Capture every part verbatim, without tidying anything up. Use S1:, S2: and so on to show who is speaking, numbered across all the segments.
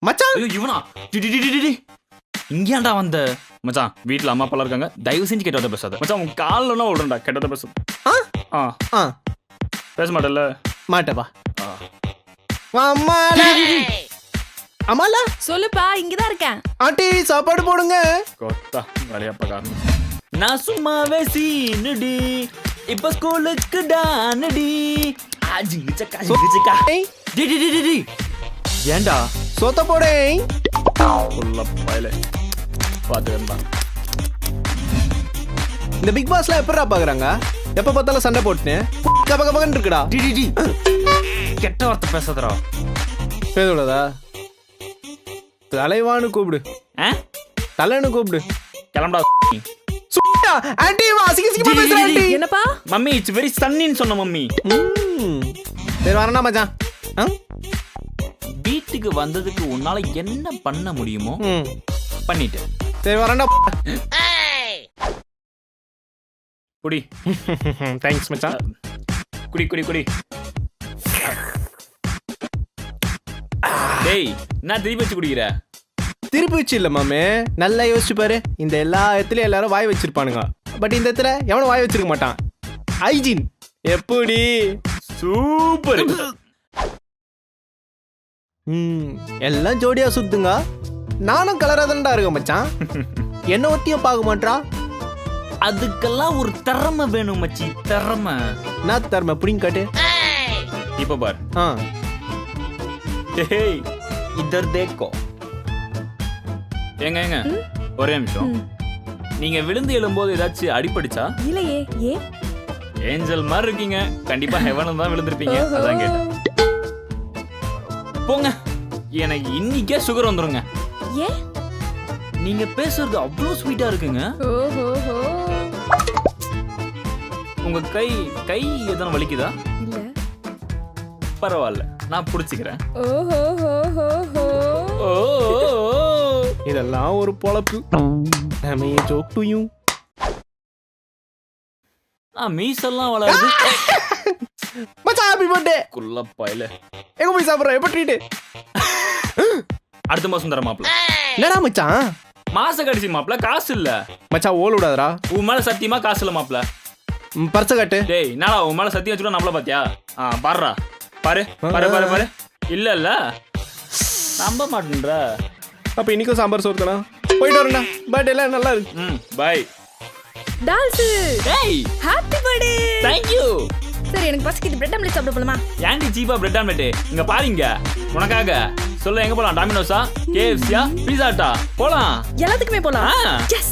S1: மச்சான்
S2: ஐயோ இவனா டி டி டி டி டி இங்கேயாண்டா வந்த மச்சான் வீட்ல அம்மா அப்பா இருக்காங்க தயவு செஞ்சு கெட்டத பேசாத மச்சான் உன் கால்லலாம் விடுறேன்டா கெட்டத பேசு
S1: ஆ
S2: ஆ
S1: ஆ
S2: பேச மாட்டல்ல
S1: மாட்டவா
S2: ஆ.
S1: அம்மாடா அம்மாலா
S3: சொல்லுப்பா இங்கதான் இருக்கேன்.
S1: ஆண்டி சாப்பாடு போடுங்க.
S2: கொத்தா வேலையாப்பா காரணம் நான் சும்மாவே சீனுடி இப்ப ஸ்கூலுக்கு டானடி ஆஜிங்க சக்கா ஜிங்க சக்கா
S1: ஏய்,
S2: டி டி டி டி டி ஏண்டா
S1: சொத்த போடேன்.
S2: உள்ள பயலே பாத்துக்கண்டா
S1: இந்த பிக் பாஸ்லாம் எப்படிடா பாக்குறாங்க? எப்ப பார்த்தாலும் சண்டை போட்டுன்னு கப கபகன்னு இருக்குடா.
S2: டி டி டி கெட்ட வார்த்தை பேசாதடா
S1: பேதோடதா தலைவான்னு கூப்பிடு,
S2: ஆ
S1: தலைன்னு கூப்பிடு.
S2: கிளம்படா
S1: சுட்டா ஆண்டி வா அசிங்க அசிங்கமா பேசுற ஆண்டி.
S3: என்னப்பா
S2: மம்மி இட்ஸ் வெரி சன்னின்னு சொன்ன மம்மி.
S1: ம் சரி வரேனா மச்சான். ஆ
S2: வீட்டுக்கு வந்ததுக்கு உன்னால என்ன பண்ண முடியுமோ
S1: ம்
S2: பண்ணிட்டு
S1: சரி வரேன்டா.
S2: குடி
S1: தேங்க்ஸ் மச்சான்.
S2: குடி குடி குடி டேய் நான் திருப்பி வச்சு குடிக்கிற
S1: திருப்பி வச்சு இல்ல மாமே, நல்லா யோசிச்சு பாரு. இந்த எல்லா இடத்துலயும் எல்லாரும் வாய் வச்சிருப்பானுங்க, பட் இந்த இடத்துல எவனும் வாய் வச்சிருக்க மாட்டான். ஹைஜீன் எப்படி?
S2: சூப்பர்.
S1: ம் எல்லாம் ஜோடியா சுத்துங்க. நானும் கலரா தான்டா இருக்கேன் மச்சான். என்ன ஒத்தியும் பார்க்க மாட்டா.
S2: அதுக்கெல்லாம் ஒரு திறமை வேணும் மச்சி, திறமை.
S1: நான் தரமா புடிங்க காட்டு.
S2: இப்ப பார்.
S1: ஆ
S2: டேய் இதர் தேக்கோ. ஏங்க ஏங்க ஒரே நிமிஷம். நீங்க விழுந்து எழும்போது ஏதாச்சும் அடிபடிச்சா?
S3: இல்லையே. ஏ
S2: ஏஞ்சல் மாதிரி இருக்கீங்க, கண்டிப்பா ஹெவன்ல தான் விழுந்திருப்பீங்க, அதான் கேட்டேன். போங்க, எனக்கு இன்னைக்கே சுகர் வந்துருங்க.
S3: ஏ
S2: நீங்க பேசுறது அவ்வளவு ஸ்வீட்டா இருக்குங்க.
S3: ஓஹோஹோ.
S2: உங்க கை கை எதனா வலிக்குதா?
S3: இல்ல.
S2: பரவாயில்ல, நான் புடிச்சுக்கிறேன்.
S3: ஓஹோஹோஹோ.
S2: ஓ
S1: இதெல்லாம் ஒரு பொழப்பு. நம்ம ஜோக் டு யூ.
S2: ஆ மீசெல்லாம் வளருது.
S1: மச்சான் ஹாப்பி பர்த்டே.
S2: குள்ளப்பாயில
S1: எங்க போய் சாப்பிடுற? எப்ப ட்ரீட்?
S2: அடுத்த மாசம் தர மாப்ள.
S1: என்னடா மச்சான்?
S2: மாச கடைசி மாப்ள, காசு இல்ல.
S1: மச்சான் ஓல் விடாதடா.
S2: உன் மேல சத்தியமா காசு இல்ல மாப்ள.
S1: பர்ச காட்டு.
S2: டேய் என்னடா உன் மேல சத்தியம் வச்சுட்டு நம்மள பாத்தியா? ஆ பாருடா, பாரு பாரு பாரு பாரு. இல்ல இல்ல நம்ப மாட்டேன்றா.
S1: அப்ப இன்னைக்கும் சாம்பார் சோறு தானா? போயிட்டு வரேன்டா. பர்த்டே எல்லாம் நல்லா இருக்கு.
S2: ம் பை.
S3: டால்ஸ்
S2: டேய்
S3: ஹாப்பி பர்த்டே.
S2: Thank you.
S3: சரி எனக்கு பசிக்குது, பிரெட் ஆம்லெட் சாப்பிட போலாமா?
S2: ஏன்டி சீப்பா பிரெட் ஆம்லெட் இங்க பாருங்க உனக்காக. சொல்ல எங்க போலாம்? டாமினோஸா, கேஎஃப்சியா, பீஸா ஹட்டா? போலாம்.
S3: எல்லாத்துக்குமே போலாம்.
S2: ஆ.
S3: Yes.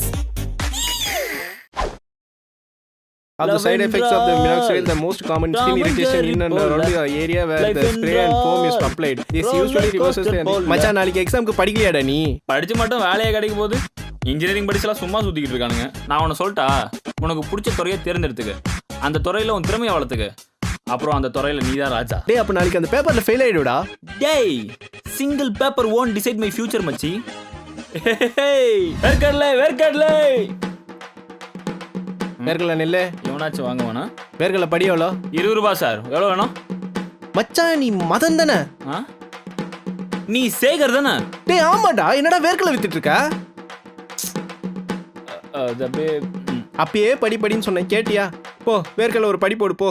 S1: Of the side effects of the minoxidil, the most common skin irritation in and around the area where the spray and foam is applied. This usually reverses the... மச்சான் நாளைக்கு எக்ஸாம்க்கு படிக்கலையாடா நீ?
S2: படிச்சு மட்டும் வேலையே கிடைக்க போகுது. இன்ஜினியரிங் படிச்சலாம் சும்மா சுத்திக்கிட்டு இருக்கானுங்க. நான் உன்னை சொல்லிட்டா, உனக்கு பிடிச்ச துறையை தேர்ந்தெடுத்துக்க, அந்த துறையில உன் திறமையை வளர்த்துக்க, அப்புறம் அந்த துறையில நீதான் ராஜா.
S1: டேய் அப்ப நாளைக்கு அந்த பேப்பர்ல ஃபெயில் ஆயிடுடா.
S2: டேய் single paper won't decide my future மச்சி. வேர்க்கடலை வேர்க்கடலை.
S1: வேர்க்கடலை நெல்லே.
S2: எவனாச்சும் வாங்குவானா?
S1: வேர்க்கடலை படி எவ்வளோ?
S2: இருபது ரூபாய் சார். எவ்வளோ வேணும்?
S1: மச்சான் நீ மதன் தானே?
S2: ஆ நீ சேகர் தானே?
S1: டேய் ஆமாடா, என்னடா வேர்க்கடலை வித்துட்டு இருக்க?
S2: அது அப்படியே
S1: அப்பயே படி படின்னு சொன்னேன் கேட்டியா? போ வேர்க்கடலை ஒரு படி போடு போ.